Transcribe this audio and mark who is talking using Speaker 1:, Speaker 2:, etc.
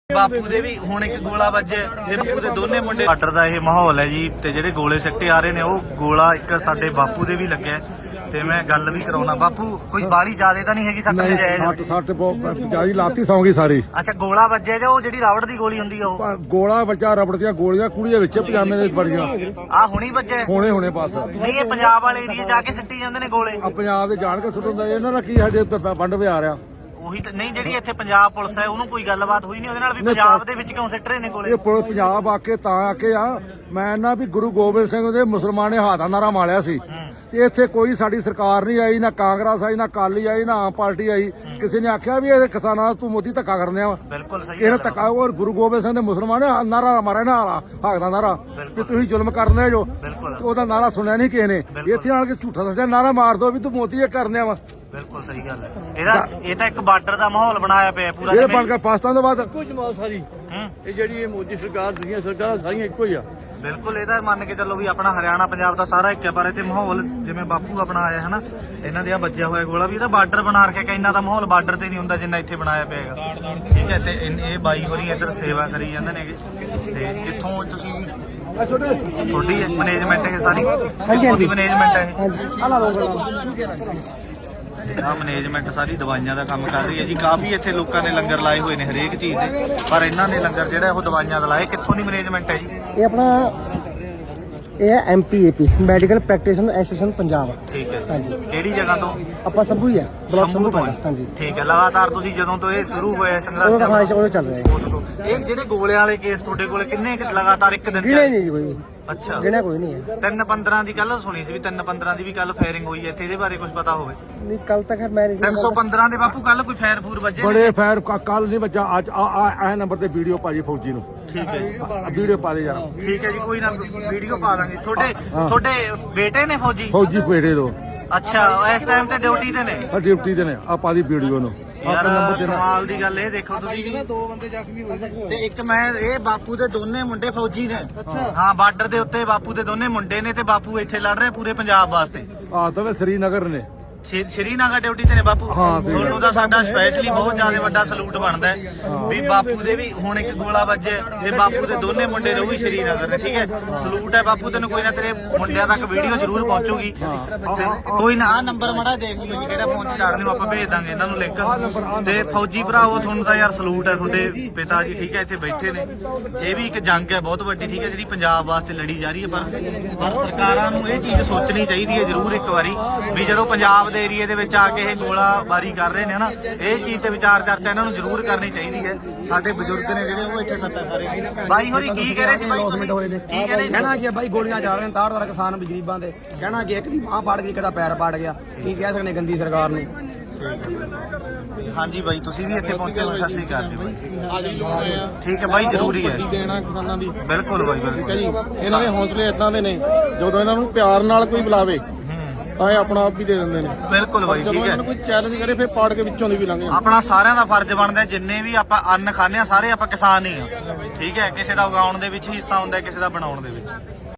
Speaker 1: ਬਾਪੂ ਦੇ ਵੀ ਹੁਣ ਇੱਕ ਗੋਲਾ ਵੱਜੇ ਤੇ ਬਾਪੂ ਦੇ ਦੋਨੇ ਮੁੰਡੇ ਬਾਰਡਰ ਦਾ ਇਹ ਮਾਹੌਲ ਹੈ ਜੀ। ਤੇ ਜਿਹੜੇ ਗੋਲੇ ਸਿੱਟੇ ਆ ਰਹੇ ਨੇ ਉਹ ਗੋਲਾ ਇੱਕ ਸਾਡੇ ਬਾਪੂ ਦੇ ਵੀ ਲੱਗਿਆ ਤੇ ਮੈਂ ਗੱਲ ਵੀ ਕਰਾਉਣਾ। ਬਾਪੂ ਕੋਈ ਬਾਲੀ ਜ਼ਿਆਦਾ ਤਾਂ ਨਹੀਂ ਹੈਗੀ ਸੱਟ ਤੇ ਜਾਇਜ਼?
Speaker 2: 60 ਜਿਆਦੀ ਲਾਤੀ ਸੌਂਗੀ ਸਾਰੀ।
Speaker 1: ਅੱਛਾ ਗੋਲਾ ਵੱਜਿਆ ਤੇ ਉਹ ਜਿਹੜੀ ਰਾਵੜ ਦੀ ਗੋਲੀ ਹੁੰਦੀ ਆ ਉਹ
Speaker 2: ਗੋਲਾ ਬੱਚਾ ਰਬੜ ਦੀਆਂ ਗੋਲੀਆਂ ਕੁੜੀ ਦੇ ਵਿੱਚ ਪਜਾਮੇ ਦੇ ਵੜੀਆਂ
Speaker 1: ਆ ਹੁਣੀ ਵੱਜੇ
Speaker 2: ਹੁਣੇ ਬਸ।
Speaker 1: ਨਹੀਂ ਇਹ ਪੰਜਾਬ ਵਾਲੇ ਏਰੀਏ ਜਾ ਕੇ ਸਿੱਟੀ ਜਾਂਦੇ ਨੇ ਗੋਲੇ।
Speaker 2: ਆ ਪੰਜਾਬ ਦੇ ਜਾਣ ਕੇ ਸੁੱਟਣ ਦਾ ਇਹਨਾਂ ਦਾ ਕੀ ਸਾਡੇ ਵੰਡ ਵਿਹਾਰ ਆ।
Speaker 1: ਉਹੀ ਤਾਂ ਨਹੀਂ ਜਿਹੜੀ ਇੱਥੇ ਪੰਜਾਬ ਪੁਲਿਸ ਹੈ ਉਹਨੂੰ ਕੋਈ ਗੱਲਬਾਤ ਹੋਈ ਨਹੀਂ ਉਹਦੇ ਨਾਲ ਵੀ ਪੰਜਾਬ ਦੇ ਵਿੱਚ ਕਿਉਂ ਸਿੱਟ ਰਹੇ ਨੇ ਗੋਲੇ?
Speaker 2: ਇਹ ਪੰਜਾਬ ਆ ਕੇ ਤਾਂ ਆ ਕੇ ਆ ਮੈਂ ਨਾ ਵੀ ਗੁਰੂ ਗੋਬਿੰਦ ਸਿੰਘ ਦੇ ਮੁਸਲਮਾਨ ਨੇ ਹਾਦਾ ਨਾਰਾ ਮਾਰਿਆ ਸੀ ਤੇ ਇੱਥੇ ਕੋਈ ਸਾਡੀ ਸਰਕਾਰ ਨਹੀਂ ਆਈ, ਨਾ ਕਾਂਗਰਸ ਆਈ, ਨਾ ਅਕਾਲੀ ਆਈ, ਨਾ ਆਮ ਪਾਰਟੀ ਆਈ। ਕਿਸੇ ਨੇ ਆਖਿਆ ਵੀ ਇਹ ਕਿਸਾਨਾਂ ਨਾਲ ਤੂੰ ਮੋਦੀ ਧੱਕਾ ਕਰਨ ਆ।
Speaker 1: ਬਿਲਕੁਲ ਸਹੀ
Speaker 2: ਇਹ ਧੱਕਾ ਔਰ ਗੁਰੂ ਗੋਬਿੰਦ ਸਿੰਘ ਦੇ ਮੁਸਲਮਾਨ ਨੇ ਨਾਰਾ ਮਾਰਿਆ ਨਾ ਹਾਕ ਦਾ ਨਾਰਾ ਵੀ ਤੁਸੀਂ ਜ਼ੁਲਮ ਕਰਨੇ ਜੋ। ਉਹਦਾ ਨਾਰਾ ਸੁਣਿਆ ਨਹੀਂ ਕਿਸੇ ਨੇ। ਇੱਥੇ ਆਣ ਕੇ ਝੂਠਾ ਦੱਸਿਆ ਨਾਰਾ ਮਾਰ ਦੋ ਵੀ ਤੂੰ ਮੋਦੀ ਇਹ ਕਰਨੇ ਵਾ।
Speaker 1: ਬਿਲਕੁਲ ਸਹੀ ਗੱਲ ਹੈ। ਇਹ ਤਾਂ ਇੱਕ ਬਾਰਡਰ ਦਾ ਮਾਹੌਲ ਬਣਾਇਆ ਪਿਆ ਪੂਰਾ।
Speaker 2: ਇਹ ਬਣ ਕੇ ਪਾਕਿਸਤਾਨ ਤੋਂ ਬਾਅਦ
Speaker 3: ਇੱਕੋ ਜਮਾਤ ਸਾਰੀ ਇਹ ਜਿਹੜੀ ਇਹ ਮੋਦੀ ਸਰਕਾਰ ਦੁਨੀਆ ਸਰਕਾਰਾਂ ਸਾਰੀਆਂ ਇੱਕੋ ਹੀ ਆ।
Speaker 1: ਬਿਲਕੁਲ ਇਹਦਾ ਮੰਨ ਕੇ ਚੱਲੋ ਵੀ ਆਪਣਾ ਹਰਿਆਣਾ ਪੰਜਾਬ ਦਾ ਸਾਰਾ ਇੱਕ ਹੈ। ਪਰ ਇੱਥੇ ਮਾਹੌਲ ਜਿਵੇਂ ਬਾਪੂ ਆਪਣਾ ਆਇਆ ਹੈ ਨਾ ਇਹਨਾਂ ਦੇ ਆ ਵੱਜਿਆ ਹੋਇਆ ਗੋਲਾ ਵੀ ਇਹਦਾ ਬਾਰਡਰ ਬਣਾ ਰੱਖਿਆ ਕਿ ਇੰਨਾ ਦਾ ਮਾਹੌਲ ਬਾਰਡਰ ਤੇ ਨਹੀਂ ਹੁੰਦਾ ਜਿੰਨਾ ਇੱਥੇ ਬਣਾਇਆ ਪਿਆ ਹੈਗਾ। ਠੀਕ ਹੈ ਤੇ ਇਹ ਬਾਈ ਹੋਰੀ ਇੱਧਰ ਸੇਵਾ ਕਰੀ ਜਾਂਦੇ ਨੇਗੇ। ਤੇ ਕਿੱਥੋਂ ਤੁਸੀਂ ਤੁਹਾਡੀ ਮੈਨੇਜਮੈਂਟ ਇਹ ਸਾਰੀ? ਹਾਂਜੀ ਮੈਨੇਜਮੈਂਟ ਹੈ ਆ ਮੈਨੇਜਮੈਂਟ ਸਾਰੀ ਦਵਾਈਆਂ ਦਾ ਕੰਮ ਕਰ ਰਹੀ ਹੈ ਜੀ। ਕਾਫੀ ਇੱਥੇ ਲੋਕਾਂ ਨੇ ਲੰਗਰ ਲਾਏ ਹੋਏ ਨੇ ਹਰੇਕ ਚੀਜ਼ ਦੇ, ਪਰ ਇਹਨਾਂ ਨੇ ਲੰਗਰ ਜਿਹੜਾ ਉਹ ਦਵਾਈਆਂ ਦਾ ਲਾਏ। ਕਿੱਥੋਂ ਦੀ ਮੈਨੇਜਮੈਂਟ ਹੈ ਜੀ
Speaker 4: ਇਹ? ਆਪਣਾ ਇਹ ਹੈ MPAP medical practitioner association Punjab.
Speaker 1: ਠੀਕ ਹੈ
Speaker 4: ਹਾਂਜੀ।
Speaker 1: ਕਿਹੜੀ ਜਗ੍ਹਾ ਤੋਂ?
Speaker 4: ਆਪਾਂ ਸੰਭੂ ਹੀ ਆ ਬਲਾਕ ਸੰਭੂ
Speaker 1: ਤੋਂ।
Speaker 4: ਹਾਂਜੀ
Speaker 1: ਠੀਕ ਹੈ। ਲਗਾਤਾਰ ਤੁਸੀਂ ਜਦੋਂ ਤੋਂ ਇਹ ਸ਼ੁਰੂ ਹੋਇਆ ਸੰਘਰਸ਼
Speaker 4: ਉਹ ਚੱਲ ਰਿਹਾ ਹੈ।
Speaker 1: ਇਹ ਜਿਹੜੇ ਗੋਲਿਆਂ ਵਾਲੇ ਕੇਸ ਤੁਹਾਡੇ ਕੋਲ ਕਿੰਨੇ ਲਗਾਤਾਰ ਇੱਕ ਦਿਨ
Speaker 4: ਗਿਣੇ ਨਹੀਂ ਕੋਈ।
Speaker 1: ਅੱਛਾ
Speaker 4: ਗਿਣਿਆ ਕੋਈ ਨਹੀਂ ਹੈ।
Speaker 1: 3/15 ਦੀ ਕੱਲ ਸੁਣੀ ਸੀ ਵੀ 3/15 ਦੀ ਵੀ ਕੱਲ ਫਾਇਰਿੰਗ ਹੋਈ ਹੈ ਇੱਥੇ। ਇਹਦੇ ਬਾਰੇ ਕੁਝ ਪਤਾ ਹੋਵੇ?
Speaker 4: ਨਹੀਂ ਕੱਲ ਤੱਕ ਮੈਂ ਨਹੀਂ
Speaker 1: 315 ਦੇ ਬਾਪੂ ਕੱਲ ਕੋਈ ਫਾਇਰ ਫੂਰ ਵੱਜੇ?
Speaker 2: ਬੜੇ ਫਾਇਰ ਕੱਲ ਨਹੀਂ ਬੱਚਾ ਅੱਜ ਆ ਨੰਬਰ ਤੇ ਵੀਡੀਓ ਪਾਜੀ ਫੌਜੀ ਨੂੰ।
Speaker 1: ਠੀਕ ਹੈ
Speaker 2: ਵੀਡੀਓ ਪਾ ਦੇ ਯਾਰ।
Speaker 1: ਠੀਕ ਹੈ ਜੀ ਕੋਈ ਨਾ ਵੀਡੀਓ ਪਾ ਦਾਂਗੇ। ਤੁਹਾਡੇ ਬੇਟੇ ਨੇ ਫੌਜੀ
Speaker 2: ਪੇੜੇ ਤੋਂ?
Speaker 1: ਅੱਛਾ ਇਸ ਟਾਈਮ ਤੇ ਡਿਊਟੀ ਤੇ ਨੇ?
Speaker 2: ਡਿਊਟੀ ਤੇ ਨੇ। ਆਪਾਂ ਦੀ ਵੀਡੀਓ ਨੂੰ
Speaker 1: ਯਾਰ ਕਮਾਲ ਦੀ ਗੱਲ ਇਹ ਦੇਖੋ ਤੁਸੀਂ ਵੀ 2 ਬੰਦੇ ਜ਼ਖਮੀ ਹੋਏ ਤੇ ਇੱਕ ਮੈਂ ਇਹ ਬਾਪੂ ਦੇ ਦੋਨੇ ਮੁੰਡੇ ਫੌਜੀ ਨੇ। ਹਾਂ ਬਾਰਡਰ ਦੇ ਉੱਤੇ ਬਾਪੂ ਦੇ ਦੋਨੇ ਮੁੰਡੇ ਨੇ ਤੇ ਬਾਪੂ ਇੱਥੇ ਲੜ ਰਹੇ ਪੂਰੇ ਪੰਜਾਬ ਵਾਸਤੇ।
Speaker 2: ਆ ਤਾਂ ਸ੍ਰੀਨਗਰ ਨੇ।
Speaker 1: ਸ਼੍ਰੀਨਗਰ ਡਿਊਟੀ ਤੇ ਨੇ ਬਾਪੂ। ਤੁਹਾਨੂੰ ਤਾਂ ਸਾਡਾ ਸਪੈਸ਼ਲੀ ਬਹੁਤ ਜ਼ਿਆਦਾ ਵੱਡਾ ਸਲੂਟ ਬਣਦਾ ਹੈ ਵੀ ਬਾਪੂ ਦੇ ਵੀ ਹੁਣ ਇੱਕ ਗੋਲਾ ਵੱਜੇ ਤੇ ਬਾਪੂ ਦੇ ਦੋਨੇ ਮੁੰਡੇ ਨੇ ਉਹ ਵੀ ਸ਼੍ਰੀਨਗਰ ਨੇ। ਠੀਕ ਹੈ ਸਲੂਟ ਹੈ ਬਾਪੂ ਤੈਨੂੰ। ਕੋਈ ਨਾ ਤੇਰੇ ਮੁੰਡਿਆਂ ਤੱਕ ਵੀਡੀਓ ਜ਼ਰੂਰ ਪਹੁੰਚੂਗੀ। ਕੋਈ ਨਾ ਆ ਨੰਬਰ ਮੜਾ ਦੇਖ ਲਿਓ ਜੀ ਕਿਹੜਾ ਫੋਨ ਚ ਚਾੜ ਦਿਓ ਆਪਾਂ ਭੇਜ ਦਾਂਗੇ ਇਹਨਾਂ ਨੂੰ ਲਿੰਕ। ਤੇ ਫੌਜੀ ਭਰਾਓ ਤੁਹਾਨੂੰ ਤਾਂ ਯਾਰ ਸਲੂਟ ਹੈ ਤੁਹਾਡੇ ਪਿਤਾ ਜੀ। ਠੀਕ ਹੈ ਇੱਥੇ ਬੈਠੇ ਨੇ। ਇਹ ਵੀ ਇੱਕ ਜੰਗ ਹੈ ਬਹੁਤ ਵੱਡੀ। ਠੀਕ ਹੈ ਜਿਹੜੀ ਪੰਜਾਬ ਵਾਸਤੇ ਲੜੀ ਜਾ ਰਹੀ ਹੈ। ਪਰ ਸਰਕਾਰਾਂ ਨੂੰ ਇਹ ਚੀਜ਼ ਸੋਚਣੀ ਚਾਹੀਦੀ ਹੈ ਜ਼ਰੂਰ ਇੱਕ ਵਾਰੀ ਵੀ ਜਦੋਂ ਪੰਜਾਬ ਦੇ ਏਰੀਏ ਦੇ ਵਿੱਚ ਆ ਕੇ ਇਹ ਗੋਲਾਬਾਰੀ ਕਰ ਰਹੇ ਨੇ ਹਨਾ ਇਹ ਚੀਜ਼ ਤੇ ਵਿਚਾਰ ਚਰਚਾ ਇਹਨਾਂ ਨੂੰ ਜ਼ਰੂਰ ਕਰਨੀ ਚਾਹੀਦੀ ਹੈ। ਸਾਡੇ ਬਜ਼ੁਰਗ ਨੇ ਜਿਹੜੇ ਉਹ ਇੱਥੇ ਸੱਟਾਂ ਖਾ ਰਹੇ ਨੇ। ਬਾਈ ਹੋਰੀ ਕੀ ਕਹਿ ਰਹੇ ਸੀ ਬਾਈ ਤੁਸੀਂ? ਕੀ ਕਹਿ ਰਹੇ?
Speaker 4: ਕਹਿਣਾ ਕੀ ਬਾਈ ਗੋਲੀਆਂ ਚੱਲ ਰਹੀਆਂ ਤਾਰ ਕਿਸਾਨ ਗਰੀਬਾਂ ਦੇ। ਕਹਿਣਾ ਕਿ ਇੱਕ ਦੀ ਬਾਂਹ ਪਾੜ ਗਈ, ਇੱਕ ਦਾ ਪੈਰ ਪਾੜ ਗਿਆ। ਕੀ ਕਹਿ ਸਕਦੇ ਗੰਦੀ ਸਰਕਾਰ ਨੂੰ।
Speaker 1: ਹਾਂਜੀ ਬਾਈ ਤੁਸੀਂ ਵੀ ਇੱਥੇ ਪਹੁੰਚੇ ਹੋ। ਸਤਿ ਸ਼੍ਰੀ ਅਕਾਲ ਜੀ ਬਾਈ। ਠੀਕ ਹੈ ਬਾਈ ਜ਼ਰੂਰੀ ਹੈ
Speaker 3: ਦੇਣਾ ਕਿਸਾਨਾਂ ਦੀ।
Speaker 1: ਬਿਲਕੁਲ ਬਾਈ ਬਿਲਕੁਲ
Speaker 3: ਜੀ ਇਹਨਾਂ ਦੇ ਹੌਸਲੇ ਇਦਾਂ ਦੇ ਨੇ ਜਦੋਂ ਇਹਨਾਂ ਨੂੰ ਪਿਆਰ ਨਾਲ ਕੋਈ ਬੁਲਾਵੇ ਤਾਂ ਇਹ ਆਪਣਾ ਆਪ ਹੀ ਦੇ ਦਿੰਦੇ ਨੇ।
Speaker 1: ਬਿਲਕੁਲ ਬਾਈ
Speaker 3: ਜਦੋਂ
Speaker 1: ਠੀਕ
Speaker 3: ਇਹਨਾਂ
Speaker 1: ਹੈ।
Speaker 3: ਨੂੰ ਕੋਈ ਚੈਲੰਜ ਕਰੇ ਫਿਰ ਪਾੜ ਕੇ ਵਿੱਚੋਂ ਦੀ ਵੀ ਲੰਘ ਜਾਂਦੇ।
Speaker 1: ਆਪਣਾ ਸਾਰਿਆਂ ਦਾ ਫਰਜ਼ ਬਣਦਾ ਜਿੰਨੇ ਵੀ ਆਪਾਂ ਅੰਨ ਖਾਂਦੇ ਆ ਸਾਰੇ ਆਪਾਂ ਕਿਸਾਨ ਹੀ ਆ। ਠੀਕ ਹੈ ਕਿਸੇ ਦਾ ਉਗਾਉਣ ਦੇ ਵਿੱਚ ਹਿੱਸਾ ਹੁੰਦਾ ਕਿਸੇ ਦਾ ਬਣਾਉਣ ਦੇ ਵਿੱਚ।